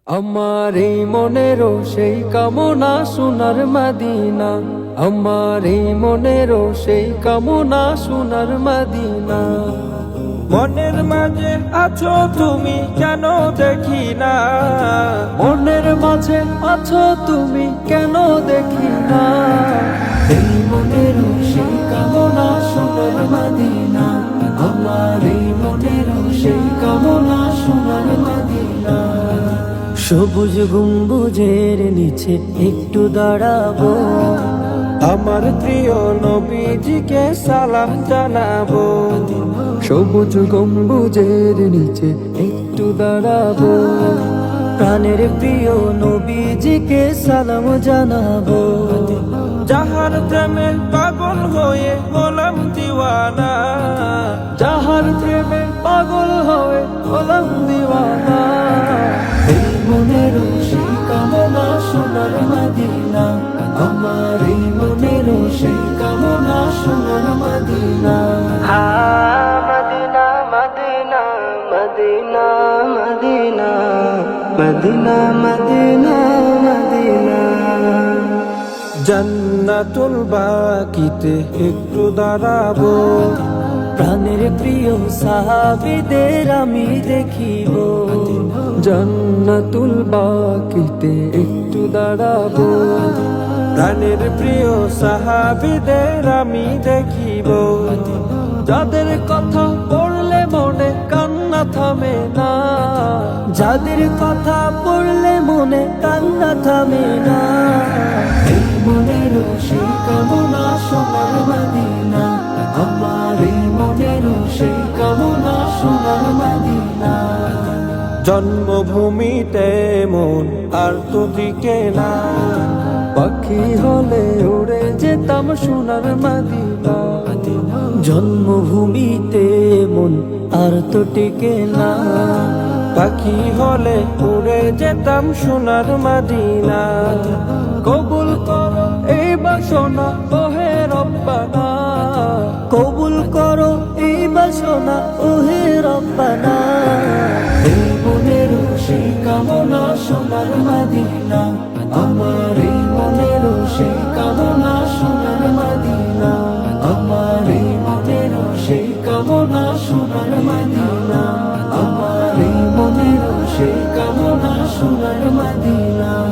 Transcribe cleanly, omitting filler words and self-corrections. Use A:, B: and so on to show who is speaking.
A: আমার এই মনেরও সেই কামনা সোনার মদিনা, আমার এই মনেরও সেই কামনা সোনার মদিনা।
B: মনের মাঝে আছো তুমি কেন দেখি না,
A: মনের মাঝে আছো তুমি কেন দেখি না। এই মনেরও সেই কামনা সোনার মদিনা, আমার এই মনেরও সেই কামনা সোনার মদিনা।
C: সবুজ গম্বুজের নিচে একটু দাঁড়াবো,
B: আমার প্রিয় নবীজিকে সালাম জানাবো।
A: সবুজ গম্বুজের নিচে একটু দাঁড়াবো,
C: প্রাণের প্রিয় নবীজিকে সালাম জানাবো।
B: যাহার প্রেমে পাগল হয়ে হলাম দিওয়ানা,
A: যাহার প্রেমে পাগল হয়ে হলাম দিওয়ানা। এই মনের সেই কামনা সোনার মদিনা, আমার এই মনের সেই কামনা সোনার মদিনা।
C: মদিনা মদিনা মদিনা মদিনা মদিনা মদিনা মদিনা।
B: জান্নাতুল বাকিতে একটু দাঁড়াবো,
C: প্রাণের প্রিয় সাহাবীদের আমি দেখিব।
A: জান্নাতুল বাকিতে একটু দাঁড়াবো,
B: প্রাণের প্রিয় সাহাবীদের আমি দেখিব।
A: যাদের কথা পড়লে মনে কান্না থামে না,
C: যাদের কথা পড়লে মনে কান্না থামে না।
A: এই মনের সেই কামনা সোনার মদিনা, আমার এই মনের সেই কামনা সোনার মদিনা।
B: জন্মভূমিতে মন আর তো টিকে না,
A: পাখি হলে উড়ে যেতাম সোনার মদিনা।
C: জন্মভূমিতে মন আর তো টিকে না,
B: পাখি হলে উড়ে যেতাম সোনার মদিনা।
A: কবুল করো এই বাসনা ওহে রব্বানা,
C: কবুল করো এই বাসনা ওহে রব্বানা।
A: এই মনের সেই কামনা সোনার মদিনা, আমার এই মনের সেই কামনা সোনার মদিনা, আমার এই মনের সেই কামনা সোনার মদিনা, আমার এই মনের সেই কামনা সোনার মদিনা।